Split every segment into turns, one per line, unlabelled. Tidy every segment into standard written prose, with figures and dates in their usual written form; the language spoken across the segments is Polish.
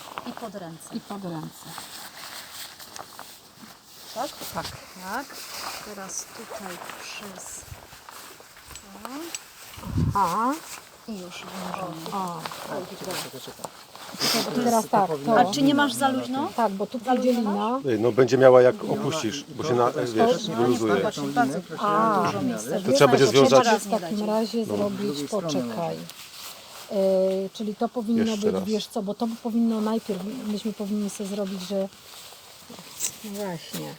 I pod ręce.
I pod ręce.
Tak?
Tak.
Tak. Teraz tutaj przez to.
Aha.
I już wiążemy.
O.
Czekaj.
Teraz tak.
A
To,
czy nie masz za luźno?
tak, bo tu pójdzie lina.
No będzie miała jak opuścisz, bo się wiesz, wyluzuje.
Zobacz, bardzo dużo miejsca.
To trzeba będzie związać.
Raz
W
nie
takim
dać.
razie zrobić, poczekaj. Czyli to powinno
Jeszcze
być,
raz.
wiesz co, bo to powinno najpierw, myśmy powinni sobie zrobić, że no właśnie,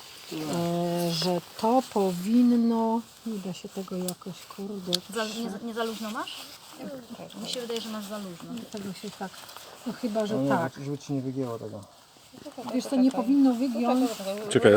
że to powinno, nie da się tego jakoś, kurde,
Nie za luźno masz? Mi się wydaje, że masz za luźno.
tego się tak, no chyba, że
Nie,
tak.
żeby ci nie wygięło tego.
Wiesz co, nie powinno wygiąć,
Czekaj,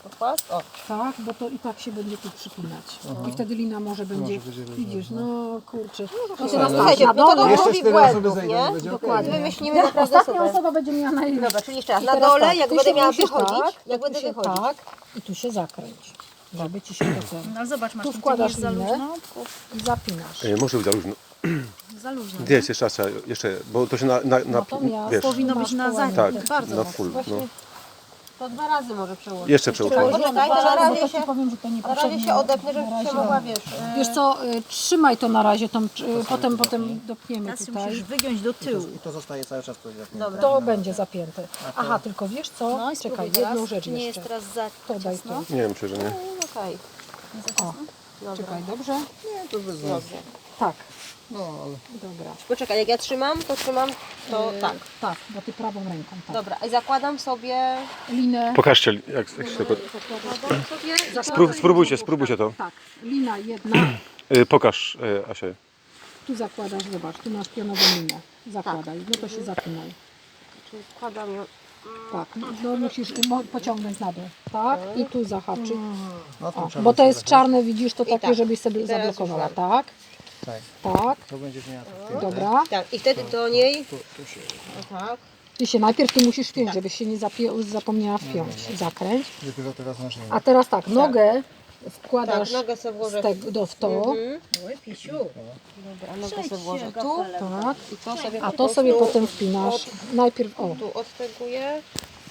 tak, bo to i tak się będzie tu przypinać. I wtedy lina może będzie, widzisz, no kurczę. No teraz tak,
Słuchajcie,
na
bo to
dole,
robi
4 osoby
błędów,
zejdą,
nie?
będzie
dokładnie.
Wymyślimy
Jak
naprawdę
ostatnia
super.
osoba będzie miała najlepiej.
Dobra, czyli jeszcze raz,
I
na
teraz
dole,
tak,
jak
ty
będę
się
miała
musisz
wychodzić,
tak,
jak
tu
będę
się
wychodzić.
tak i tu się zakręć, żeby ci się to ten.
No ale zobacz, masz
Tu
tam
wkładasz
gdzieś za
linę.
luźno.
I zapinasz.
może być za luźno.
Za luźno.
Gdzie jest jeszcze raz, jeszcze, bo to się
Natomiast
wiesz,
Powinno być na
masz
tak,
zajęte. Bardzo
na
mocno.
full, no.
To 2 razy może przełożyć.
Jeszcze przełknąć.
Poczekaj, to na
Bo
razie
to
się,
ci powiem, że to
na
niepotrzebnie.
razie się odepnę, żebyś się mogła, wiesz...
Wiesz co, trzymaj to na razie, potem dopniemy
Teraz się
tutaj.
musisz wygiąć do tyłu.
I to zostaje cały czas tu jak
Dobra.
To będzie zapięte. Aha, tylko wiesz co?
No i
Czekaj,
spróbuj teraz.
jedną rzecz
Czy nie jest
jeszcze.
teraz za
To daj
ciasno?
tu.
Nie wiem, myślę, że nie.
Okej,
Nie za
O,
ciasno?
dobra.
czekaj, dobrze?
Nie, to bez
Dobrze.
Tak,
No, ale
dobra.
Poczekaj, jak ja trzymam, to tak.
Tak, bo ty prawą ręką. Tak.
Dobra, i zakładam sobie...
Linę.
Pokażcie, jak się tego...
Zakładam sobie...
Spróbujcie to.
Tak, lina jedna.
Pokaż, Asia.
Tu zakładasz, zobacz, tu masz pionową linę. Zakładaj, no to się zapinaj.
Czyli wkładam ją...
Tak, no musisz pociągnąć na dół. Tak, i tu zahaczyć.
no to
O,
trzeba
bo to jest
sobie-
czarne, widzisz, to takie,
tak.
żebyś sobie
I teraz
zablokowała.
już
Tak,
Tak,
tak,
to będziesz miała tak.
dobra.
Tak, i wtedy do niej...
Tu się...
O tak.
Ty się najpierw tu musisz wpiąć, żebyś się nie zapomniała wpiąć. Zakręć.
Dopiero teraz masz
A teraz tak, nogę wkładasz
Tak, nogę sobie włożę.
w to.
Oj, Pisiu.
Dobra, nogę sobie włożę tu.
Tak.
I to sobie
A
po
to sobie
prostu
potem wpinasz. Najpierw o.
Tu odteguję.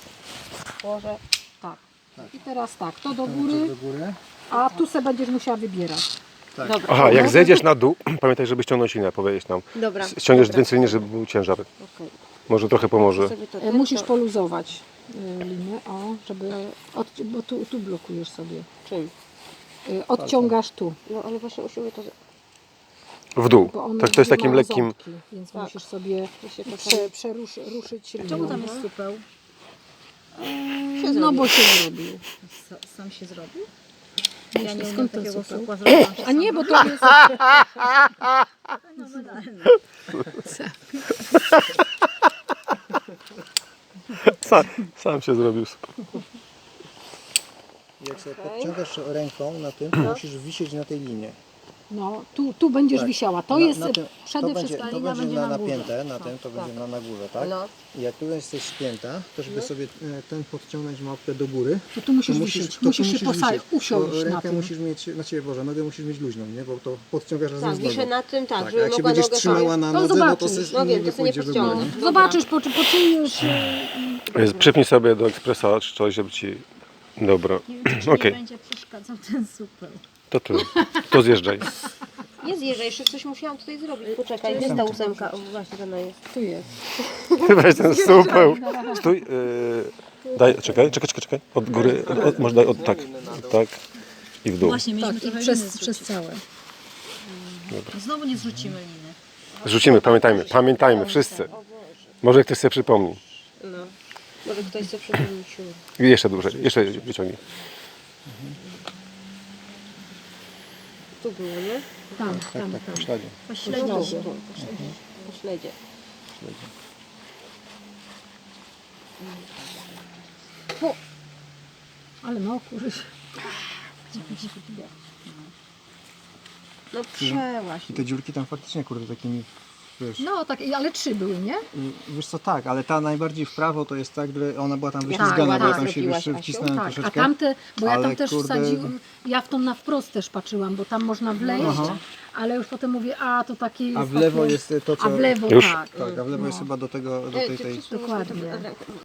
Włożę.
Tak. I teraz tak, to do góry,
do góry.
a tu se będziesz musiała wybierać.
Dobra.
Aha, jak zejdziesz na dół, pamiętaj, żeby ściągnąć linę, powiedzieć nam.
Dobra.
Ściągniesz więcej linii, żeby był ciężar.
Okej.
Może trochę pomoże.
Sobie to
Musisz
to-
poluzować linię, o, żeby, bo tu blokujesz sobie.
Czym?
Odciągasz tu,
No ale właśnie musimy to...
W dół.
bo one
Tak, to jest takim
mają
lekkim...
ząbki, więc musisz sobie
się to
ruszyć linię.
Czemu tam jest supeł?
No bo się zrobił.
Sam się zrobił? Ja nie umiem
Skąd ten
takiego
supeł?
supła zrobić.
A nie, bo to jest...
Sam się zrobił.
Jak sobie podciągasz ręką na tym, to musisz wisieć na tej linie.
No, tu będziesz wisiała. To jest przede
to
wszystkim...
będzie napięte na tym, to będzie na górze, tak?
No.
I jak tu jesteś spięta, to żeby sobie ten podciągnąć małpkę do góry,
To tu musisz
to
wisieć,
to
musisz się
wisieć.
usiąść
Bo
na
rękę
tym.
musisz mieć, na ciebie Boże, nogę musisz mieć luźną, nie? Bo to podciągasz razem
Tak,
z nogą.
wiszę na tym, tak,
Tak, a
żeby
jak się
mogła
będziesz
nogę
trzymała na
To
nodze, no to
zobaczysz.
No wiem,
nie
to sobie nie
pójdzie do góry.
podciągnę.
nie?
Zobaczysz, poczujesz...
Przypnij sobie do ekspresa czy coś, żeby ci... Dobra.
Czy
Okej.
nie będzie przeszkadzał ten supeł?
To zjeżdżaj.
Nie zjeżdżaj, jeszcze coś musiałam tutaj zrobić. Poczekaj, gdzie jest ta ósemka? O, właśnie ona jest.
Tu jest.
Weź ten supeł. Stój. Daj, czekaj. Od góry, może daj, tak. Tak. I w dół.
Właśnie, mieliśmy
Tak, i
trochę
przez
liny zrzucić.
całe.
Znowu nie zrzucimy liny.
Rzucimy, pamiętajmy, wszyscy. Może ktoś sobie przypomni.
No. Może ktoś sobie przypomnił.
I jeszcze dłużej, jeszcze wyciągnij.
Tu było, nie?
Tam.
W śladzie.
Po śledzie.
Po śledzie.
Ale no, kurczę.
No przełaś.
I te dziurki tam faktycznie, kurde, takimi wiesz.
No tak, ale 3 były, nie?
Wiesz co, tak, ale ta najbardziej w prawo to jest ta, gdzie ona była tam
Tak,
wyślizgana, bo ja
tak,
tam się
zrobiłaś, Asiu.
wcisnąłem
Tak, a
troszeczkę.
tamte, bo ja tam
Ale
też
kurde-
wsadziłam, ja w tą na wprost też patrzyłam, bo tam można wleść, ale już potem mówię, a to takie jest
A w lewo
takie,
jest to, co...
a w lewo
Już?
tak.
Tak, a w lewo jest chyba do tego, do tej...
Czy wszyscy
Dokładnie.
muszą to-